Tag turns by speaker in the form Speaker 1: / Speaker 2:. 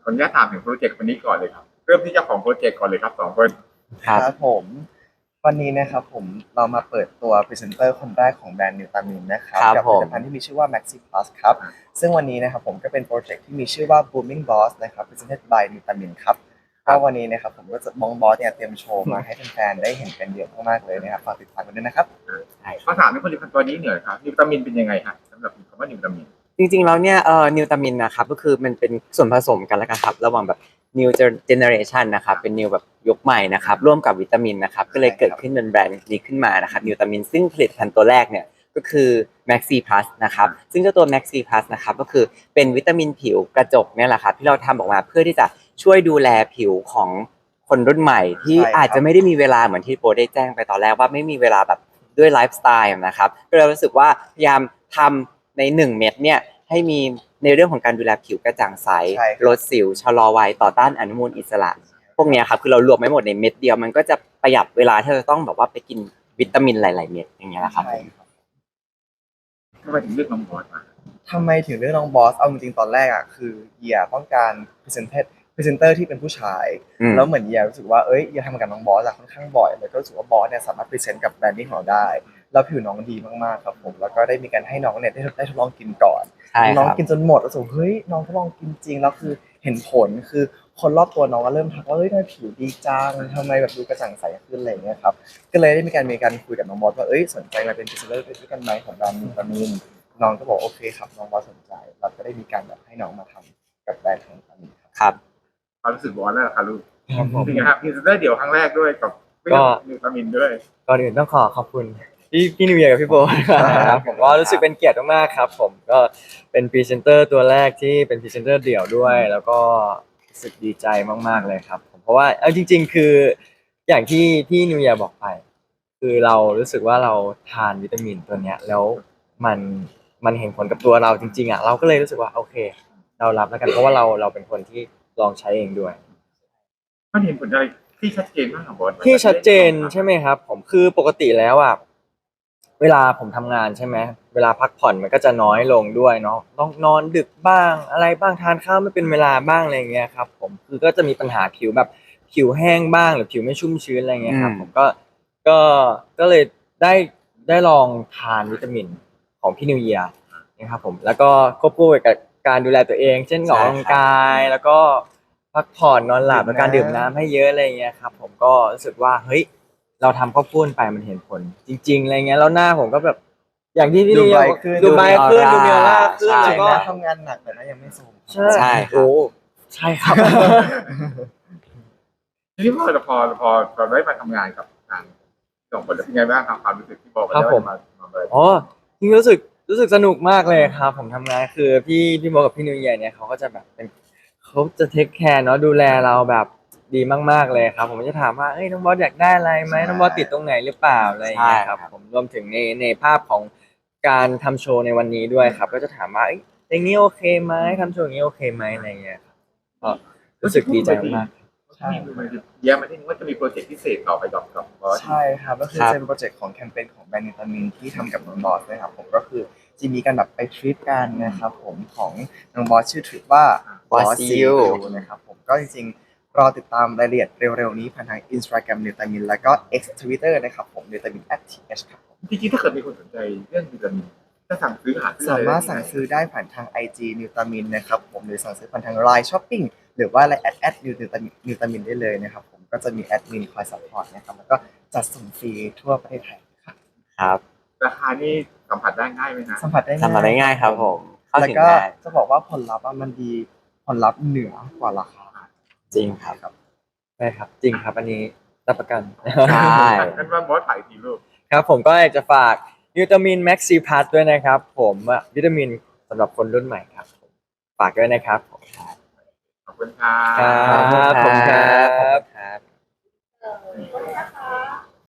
Speaker 1: ออนุญาตถามถึงโปรเจกต์วันนี้ก่อนเลยครับเริ่มที่เจ้าของโปรเจกต์ก่อนเลยครับสองคน
Speaker 2: ครับผมวันนี้นะครับผมเรามาเปิดตัวพรีเซนเตอร์คนแรกของแบรนด์นิวตามินนะครับ
Speaker 3: ครับ
Speaker 2: กับผลิตภัณฑ์
Speaker 3: ผม
Speaker 2: ที่มีชื่อว่า Maxi Plus ครับซึ่งวันนี้นะครับผมก็เป็นโปรเจกต์ที่มีชื่อว่า Booming Boss นะครับ Presented by นิวตามินครับก็วันนี้นะครับผมก็จะมองบอสเนี่ยเตรียมโชว์มาให้แฟนๆได้เห็นกันเยอะมากๆเลยนะครับฝากติดตามกันด้วยนะครับ
Speaker 3: ใช่
Speaker 1: ขอถามในผลิตภัณฑ์ตัวนี้หน่อยครับนิวตามินเป็นยังไงครับสำหรับคำว่านิวตามิน
Speaker 3: จริงๆแล้วเนี่ยนิวตามินนะครับก็คือมันเป็นส่วนผสมกันแล้วกันครับระหว่างแบบ new generation นะครับเป็น new แบบยุคใหม่นะครับร่วมกับวิตามินนะครับก็เลยเกิดขึ้นเป็นแบรนด์นี้ขึ้นมานะครับนิวตามินซึ่งผลิตภัณฑ์ตัวแรกเนี่ยก็คือ Maxi Plus นะครับซึ่งเจ้าตัว Maxi Plus นะครับก็คือเป็นวิตามินผิวกระจกเนี่ยแหละครับที่เราทำออกมาเพื่อที่จะช่วยดูแลผิวของคนรุ่นใหม่ที่อาจจะไม่ได้มีเวลาเหมือนที่โปรได้แจ้งไปตอนแรกว่าไม่มีเวลาแบบด้วยไลฟ์สไตล์นะครับก็เลยรู้สึกว่าพยายามทำใน1 เม็ดเนี่ยให้มีในเรื่องของการดูแลผิวกระจ่างใสลดสิวชะลอวัยต่อต้านอนุมูลอิสระพวกเนี้ยครับคือเรารวมไว้หมดในเม็ดเดียวมันก็จะประหยัดเวลาที่เราต้องแบบว่าไปกินวิตามินหลายๆเม็ดอย่างเงี้ยแหละครับ
Speaker 2: ใช่ครับ
Speaker 1: ทำไมถึงเลือกน้องบอสมา
Speaker 2: ทำไมถึงเลือกน้องบอสเอาจริงๆตอนแรกอ่ะคือเหยียต้องการพรีเซนเตอร์ที่เป็นผู้ชายแล้วเหมือนเหยียรู้สึกว่าเอ้ยเหยียทำกับน้องบอสอะค่อนข้างบ่อยแล้วก็รู้สึกว่าบอสเนี่ยสามารถพรีเซนต์กับแบรนดิ้งของเราได้แล้วผิวน้องดีมากๆครับผมแล้วก็ได้มีการให้น้องเนี่ยได้ทดลองกินก่อน
Speaker 3: ใช่
Speaker 2: น้อง
Speaker 3: ครับ
Speaker 2: กินจนหมดแล้วรู้สึกเฮ้ยน้องทดลองกินจริงแล้วคือเห็นผลคือคนรอบตัวน้องก็เริ่มทักว่าเฮ้ยทำไมผิวดีจังทำไมแบบดูกระจ่างใสขึ้นอะไรอย่างเงี้ยครับก็เลยได้มีการคุยกับน้องบอสว่าเอ้ยสนใจมาเป็นพรีเซนเตอร์ด้วยกันไหมของแบรนด์วิตามิน น้องก็บอกโอเคครับน้องบอสสนใจเราก็ได้มีการแบบให้น้องมาทำกับแบรนด์ของตอนนี้ครับ
Speaker 3: ครับ
Speaker 1: ความรู้สึกบอสแล้วครับลูกจริงครับพรีเซนเตอร์เดี่ยวครั้งแรกด้วยกับเรื่องนิวตามินด้วย
Speaker 4: ก่อนอื่นต้องขอบคุณพี่นิวเยียร์กับพี่โบนะครับผมก็รู้สึกเป็นเกียรติมากๆครับผมก็เป็นพรีเซนเตอร์ตัวแรกที่เป็นพรีเซนเตอร์เดี่ยวด้วยแล้วก็รู้สึกดีใจมากๆเลยครับผมเพราะว่าเอาจริงๆคืออย่างที่พี่นิวเยียร์บอกไปคือเรารู้สึกว่าเราทานวิตามินตัวเนี้ยแล้วมันมันเห็นผลกับตัวเราจริงๆอ่ะเราก็เลยรู้สึกว่าโอเคเรารับแล้วกันเพราะว่าเราเป็นคนที่ลองใช้เองด้วย
Speaker 1: มันเห็นผลอะไรที่ชัดเจนมากของบอส
Speaker 4: ที่ชัดเจนใช่ไหมครับผมคือปกติแล้วอ่ะเวลาผมทำงานใช่ไหมเวลาพักผ่อนมันก็จะน้อยลงด้วยเนาะต้องนอนดึกบ้างอะไรบ้างทานข้าวไม่เป็นเวลาบ้างอะไรเงี้ยครับผมคือก็จะมีปัญหาผิวแบบผิวแห้งบ้างหรือผิวไม่ชุ่มชื้นอะไรเงี้ยครับผมก็ก็เลยได้ได้ลองทานวิตามินของพี่นิวเยียร์นะครับผมแล้วก็ควบคู่กับการดูแลตัวเองเช่นออกกำลังกายแล้วก็ พักผ่อนนอนหลับและการดื่มน้ำให้เยอะอะไรเงี้ยครับผมก็รู้สึกว่าเฮ้ยเราทำข้าวปุ้นไปมันเห็นผลจริงๆอะไรเงี้ยแล้วหน้าผมก็แบบอย่างที่พี่
Speaker 2: ดู
Speaker 4: เรี
Speaker 2: ใบ
Speaker 4: ยก
Speaker 2: ขึ้น
Speaker 4: ดูใบขึ้นดูมีออร่าขึ้น
Speaker 3: ใช่
Speaker 4: แล้วก็
Speaker 2: ทำงานหนักแต่ก็ยังไม่โทรม
Speaker 4: ใช่โอ้ใช่ครับ
Speaker 1: ทีนี้พอได้มาทำงานกับทางสองคนแล้วเป็นไงบ้างครับความรู้สึกที่บอกไป
Speaker 4: ครับ
Speaker 1: แล้ว
Speaker 4: ผม
Speaker 1: มาเลย
Speaker 4: อ๋อจริงๆรู้สึกสนุกมากเลยครับผมทำงานคือพี่โมกับพี่นิวเยียร์เนี่ยเขาก็จะแบบเป็นเขาจะเทคแคร์เนาะดูแลเราแบบดีมากๆเลยครับผมจะถามว่าเอ้ยน้องบอสอยากได้อะไรไหมน้องบอสติดตรงไหนหรือเปล่าอะไรอย่างเงี้ยครับผมรวมถึงในภาพของการทำโชว์ในวันนี้ด้วยครับก็จะถามว่าเอ้ยอย่างนี้โอเคไหมทำโชว์อย่างนี้โอเคไหมอะไรอย่างเงี้ยครับก็รู้สึกดีใจมาก
Speaker 1: ใช่แย้มมาที่นี่ว่าจะมีโปรเจกต์พิเศษต่อไปกับบอส
Speaker 2: ใช่ครับก็คือเป็นโปรเจกต์ของแคมเปญของแบรนด์นิตามินที่ทำกับน้องบอสนะครับผมก็คือจะมีการแบบไปทริปกันนะครับผมของน้องบอสชื่อทริปว่า
Speaker 3: Boss You
Speaker 2: นะครับผมก็จริงๆรอติดตามรายละเอียดเร็วๆนี้ผ่านทาง Instagram นิตามินแล้วก็ X Twitter นะครับผมนิตามิน@th ครับผม
Speaker 1: จริงๆถ้าเกิดมีคนสนใจเรื่องวิตามินถ้าสั่งซื้อหาซื้อ
Speaker 2: สามารถสั่งซื้อได้ผ่านทาง IG นิวตามินนะครับผมหรือสั่งซื้อผ่านทาง Line Shopping หรือว่า Line นิวตามินได้เลยนะครับผมก็จะมีแอดมินคอยซัพพอร์ตนะครับแล้วก็จัดส่งฟรีทั่วประเทศไทยครับ
Speaker 3: ครับ
Speaker 1: ราคานี่สัมผัสได้ง่ายไหมฮะ
Speaker 2: สัมผัสได้
Speaker 3: ทำมาได้ง่ายครับผมเข้า
Speaker 2: แล้ว
Speaker 3: ถึง
Speaker 2: ก็
Speaker 3: ง่าย
Speaker 2: จะบอกว่าผลลัพธ์อะมันดีผลลัพธ์เหนือกว่าราคา
Speaker 3: จริงครับ
Speaker 4: ใช่ครับจริงครับอันนี้รับประกัน
Speaker 3: ใช่
Speaker 1: งั้นว่าบอสถ่ายทีลูก
Speaker 4: ครับผมก็อยากจะฝากวิตามินแม็กซีพัทด้วยนะครับผมวิตามินสำหรับคนรุ่นใหม่ครับฝากด้วยนะครับผม
Speaker 1: ขอบคุณครับ
Speaker 4: ครับผมครับ